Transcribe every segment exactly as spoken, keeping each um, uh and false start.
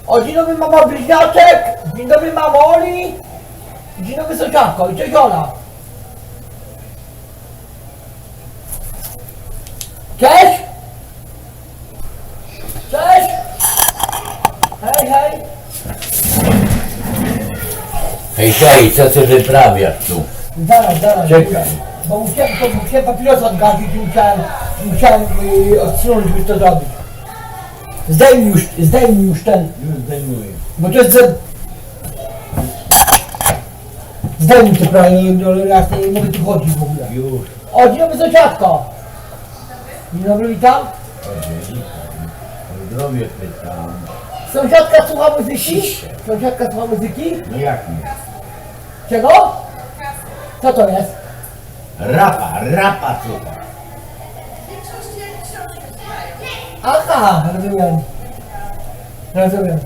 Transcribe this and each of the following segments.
O, dzień dobry mama bliźniaczek, dzień dobry mamo Oli, dzień dobry sąsiadko i cześć Ola. Cześć! Cześć! Hej, hej! Hej, hej, co ty wyprawiasz tu? Zaraz, zaraz. Czekaj. Bo musiałem, to musiałem papierosa odgadzić i musiałem, musiałem yy, odsunąć, żeby to zrobić. Zdejmij już, zdejmij już ten, Już zdejmuję. bo to jest ze... Zdejmij to prawie, no raz nie mogę tu chodzić w ogóle. Już. O, dzień dobry sąsiadko! Dzień dobry, witam. O zdrowie pytam. Sąsiadka słucha muzyki? Sąsiadka słucha muzyki? No jak nie? Czego? Co to jest? Rapa, rapa słucha. Aha, rozumiem. Rozumiem.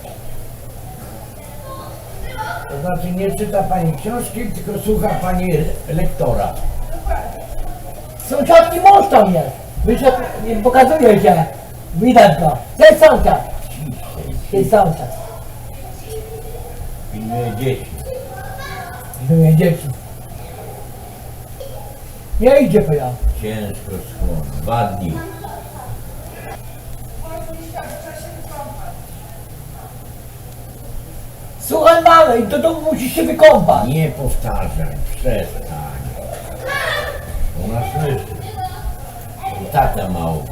To znaczy nie czyta pani książki, tylko słucha pani lektora. Sąsiadki mąż tam jest. Wyszedł, nie pokazuje się. Widać go. To jest sąsiad. To jest sąsiad. Pilnuje dzieci. Pilnuje dzieci. Nie idzie po ja. Ciężko schło. Dwa dni. Słuchaj mamy, i do domu musisz się wykąpać. Nie powtarzaj, przestań. Ona słyszy. Tata mało.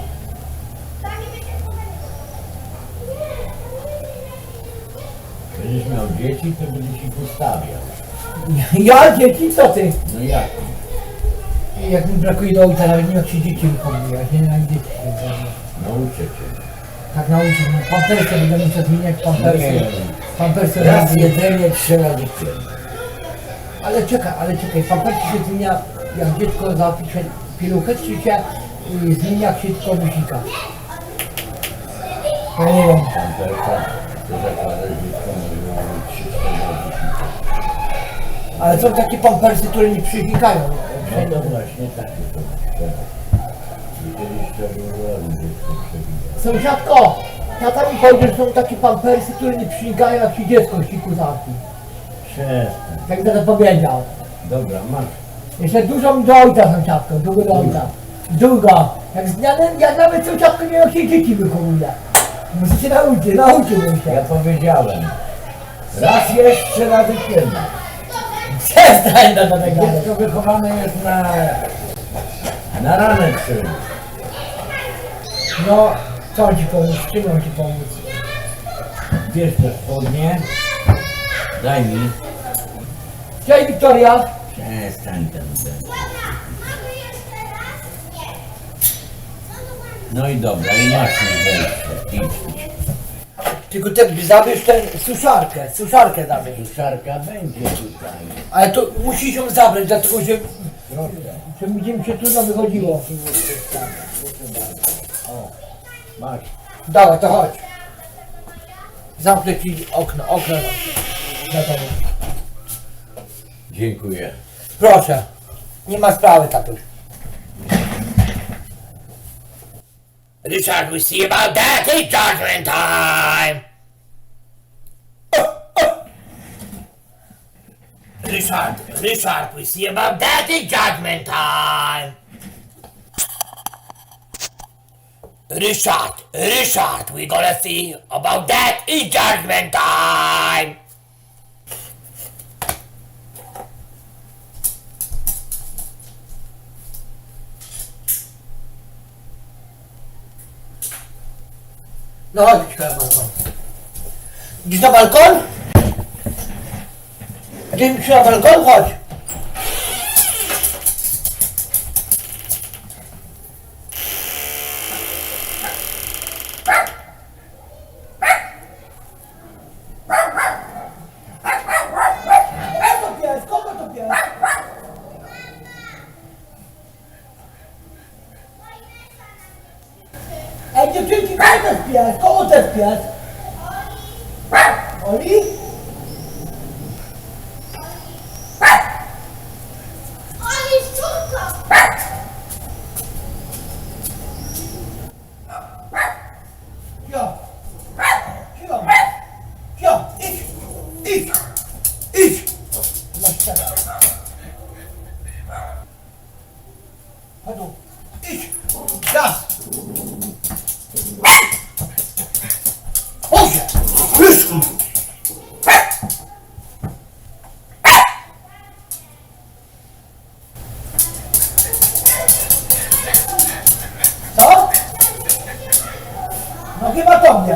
Będziesz miał dzieci, to będę ci postawiał. Ja dzieci, co ty? No jak? Jak mi brakuje do ojca, nawet nie wiem jak się dzieci wychowuje. Ja się nie dzieci. Nauczę cię. Tak nauczył mnie. Pampersy będę musiał zmieniać pampersy. Nie. Pampersy Raz razy. jedzenie, trzy razy dziennie. Ale czekaj, ale czekaj, pampersy się zmienia, jak dziecko zapisze pieluchę, czy się y, zmienia, jak się tylko wysika? Ja nie wiem. Pamperka, to zakładasz dziecko, może mieć trzy cztery razy dziennie. Ale są takie pampersy, które nie przynikają. No to właśnie takie to. I kiedyś trzeba było robić dziecko przewija. Sąsiadko, tata mi powiedział, że są takie pampersy, które nie przynikają, jak się dziecko w siku zapi. Przestań. Tak to powiedział. Dobra, masz. Jeszcze dużo mi do ojca, sąsiadko, dużo do ojca. Długo. Jak z dnia, ja nawet sąsiadko nie wiem, jak się dzieci wychowuje. Muszę się nauczyć, nauczyłem Ja się. powiedziałem. Raz jest, trzy razy dziennie. Przestań do tego. Dziecko wychowane jest na... na ranek synu. No, co ci pomóc, czym mam ci pomóc? Bierz te spodnie. Daj mi. Cześć Wiktoria. Przestań ten ten. No i dobra, i masz mi wejście. Idź. Tylko ty zabierz tę suszarkę, suszarkę zabierz. Suszarka będzie tutaj. Ale to musisz ją zabrać, dlatego że, Proszę. że będzie mi się trudno wychodziło. O, masz. Dawaj, to chodź. Zamknę ci okno, okno. Na tobie. Dziękuję. Proszę. Nie ma sprawy, tatuś. Richard, we see about that. It's judgment time. Richard, Richard, we see about that. It's judgment time. Richard, Richard, we gonna see about that. It's judgment time. No chodź, na balkon. Idziesz na balkon? Idziesz na balkon? Chodź. Kogo to pies? Kogo to pies? Ej, dziewczynki, kogo to jest pies? Kogo to jest pies? Oli? Oli, szczurka! Cicho. Cicho. Czekaj. Chodź tu. Idź. Raz. Boże! Wyszło! Co? No chyba tobie.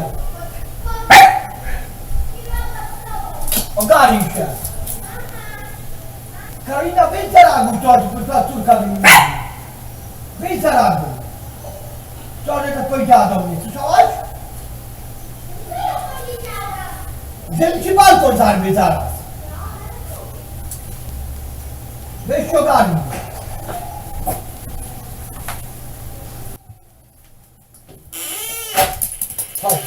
Ogarnij się. Karolina, wyjdź za ragu, to ta córka wyjdzie. Wyjdź za ragu. Wczoraj to powiedziała do mnie, słyszałaś? Żeby ci balkon zarwie zaraz. Weź się ogarnij. Chodź.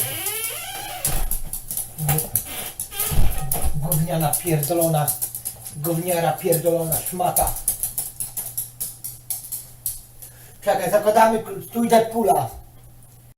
Gówniana pierdolona, gówniara pierdolona szmata. Czekaj, zakładamy stój Deadpoola.